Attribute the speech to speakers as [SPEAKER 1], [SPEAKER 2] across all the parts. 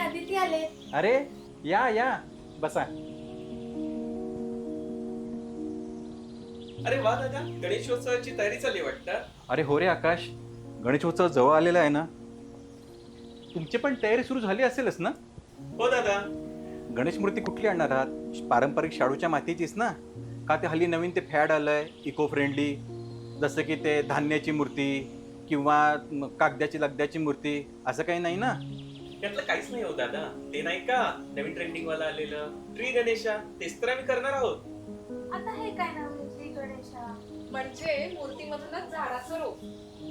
[SPEAKER 1] अदिती आले.
[SPEAKER 2] अरे या या बसा.
[SPEAKER 3] अरे वा दादा, गणेशोत्सवाची तयारी चालली वाटतं.
[SPEAKER 2] अरे हो रे आकाश, गणेशोत्सव जवळ आलेला आहे ना. तुमची पण तयारी सुरू झाली असेलच ना.
[SPEAKER 3] हो दादा.
[SPEAKER 2] गणेश मूर्ती कुठली आणणार आहात? पारंपरिक शाडूच्या मातीचीच ना, का ते हल्ली नवीन ते फॅड आलंय इको फ्रेंडली, जसं की ते धान्याची मूर्ती किंवा कागदाची लगद्याची मूर्ती, असं काही नाही ना.
[SPEAKER 3] त्यातलं काहीच नाही हो दादा. ते नाही का नवीन ट्रेंडिंग वाला आलेलं ट्री गणेशा, तेच तर आम्ही करणार आहोत.
[SPEAKER 1] आता हे काय नवीन श्री गणेशा?
[SPEAKER 4] म्हणजे मूर्तीमधूनच झाडाचं रोप.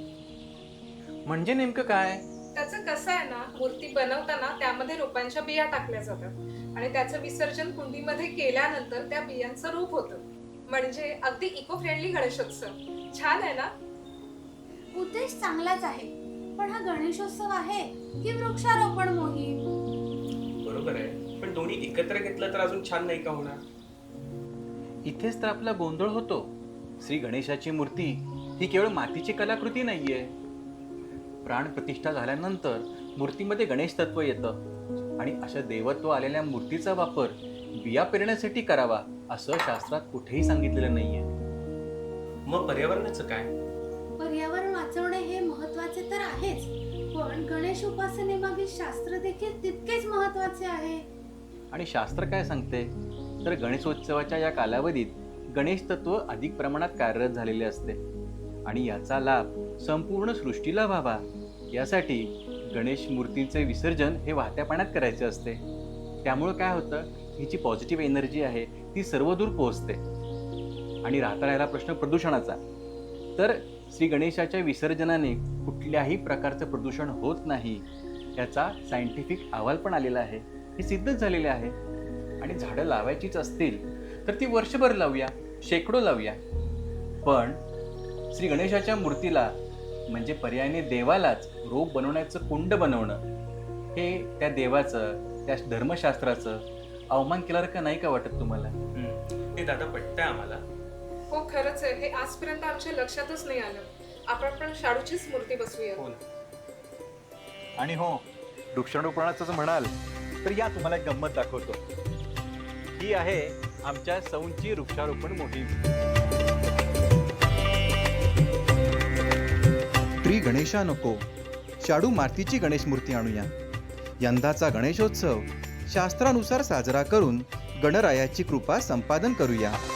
[SPEAKER 2] म्हणजे नेमकं काय?
[SPEAKER 4] त्याचं कसं आहे ना, मूर्ती बनवताना त्यामध्ये रोपांच्या बिया टाकल्या जातात आणि त्याचं विसर्जन कुंडीमध्ये केल्यानंतर त्या बियांचं रूप होतं. म्हणजे अगदी इको फ्रेंडली गणेशोत्सव. छान आहे ना.
[SPEAKER 1] उद्देश चांगलाच आहे, पण हा गणेशोत्सव आहे की वृक्षारोपण मोहीम?
[SPEAKER 3] बरोबर आहे, पण दोन्ही एकत्र घेतलं तर अजून छान नाही का होणार?
[SPEAKER 2] इथेच तर आपला गोंधळ होतो. श्री गणेशाची मूर्ती ही केवळ मातीची कलाकृती नाहीये. प्राण प्रतिष्ठा झाल्यानंतर मूर्तीमध्ये गणेश तत्व येतं आणि अशा देवत्व आलेल्या मूर्तीचा वापर बिया पेरण्यासाठी करावा असं शास्त्रात कुठेही सांगितलेलं नाहीये.
[SPEAKER 3] मग पर्यावरणाचं काय?
[SPEAKER 1] पर्यावरण वाचवणे हे महत्वाचे तर आहेच, पण गणेश उपासनेमागील शास्त्र देखील तितकेच महत्वाचे आहे.
[SPEAKER 2] आणि शास्त्र काय सांगते तर गणेशोत्सवाच्या या कालावधीत गणेश तत्व अधिक प्रमाणात कार्यरत झालेले असते आणि याचा लाभ संपूर्ण सृष्टीला व्हावा यासाठी गणेश मूर्तीचे विसर्जन हे वाहत्या पाण्यात करायचे असते. त्यामुळं काय होतं, ही जी पॉझिटिव्ह एनर्जी आहे ती सर्वदूर पोहोचते. आणि राहता राहिला प्रश्न प्रदूषणाचा, तर श्री गणेशाच्या विसर्जनाने कुठल्याही प्रकारचं प्रदूषण होत नाही याचा सायंटिफिक अहवाल पण आलेला आहे. हे सिद्धच झालेले आहे. आणि झाडं लावायचीच असतील तर ती वर्षभर लावूया, शेकडो लावूया, पण श्री गणेशाच्या मूर्तीला म्हणजे पर्यायाने देवालाच रोप बनवण्याचं कुंड बनवणं हे त्या देवाचं, त्या धर्मशास्त्राचं अवमान केल्यासारखं नाही का वाटत तुम्हाला?
[SPEAKER 3] ते दादा पटतंय आम्हाला.
[SPEAKER 4] हो खरंच आहे. हे आजपर्यंत आमच्या लक्षातच नाही आलं. आपण पण शाडूचीच मूर्ती बसवूया.
[SPEAKER 3] हो ना.
[SPEAKER 2] आणि हो, वृक्षारोपणाचं जर म्हणाल तर या तुम्हाला एक गंमत दाखवतो. ही आहे आमच्या सौंची वृक्षारोपण मोहीम.
[SPEAKER 5] ट्री गणेशा नको, शाडू मातीची गणेश मूर्ती आणूया. यंदाचा गणेशोत्सव शास्त्रानुसार साजरा करून गणरायाची कृपा संपादन करूया.